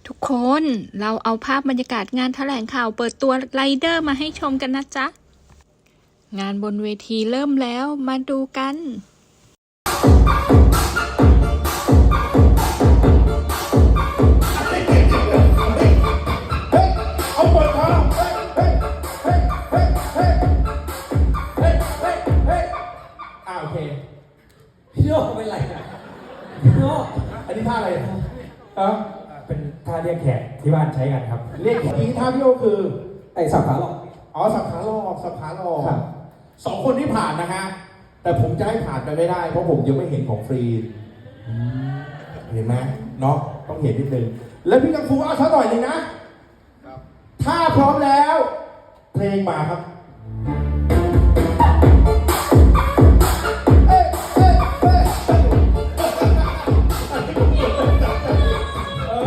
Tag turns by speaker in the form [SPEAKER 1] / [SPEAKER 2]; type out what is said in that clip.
[SPEAKER 1] ทุกคนเราเอาภาพบรรยากาศงานแถลงข่าวเปิดตัวไรเดอร์มาให้ชมกันนะจ๊ะงานบนเวทีเริ่มแล้วมาดูกัน
[SPEAKER 2] โอเคพี่โน่เป็นไรนะพี่โน่อันนี้ท่าอะไรเป็นท่าเรียกแขกที่บ้านใช้กันครับเรียกแขกนี้ท่าพี่โน่คือไอ้สับขาหลอกอ๋อสับขาหลอกสับขาหลอกสองคนที่ผ่านนะฮะแต่ผมจะให้ผ่านไปไม่ได้เพราะผมยังไม่เห็นของฟรีเห็นไหมเนาะต้องเห็นนิดนึงแล้วพี่กังฟูเอาซะหน่อยนึงนะถ้าพร้อมแล้วเพลงมาครับ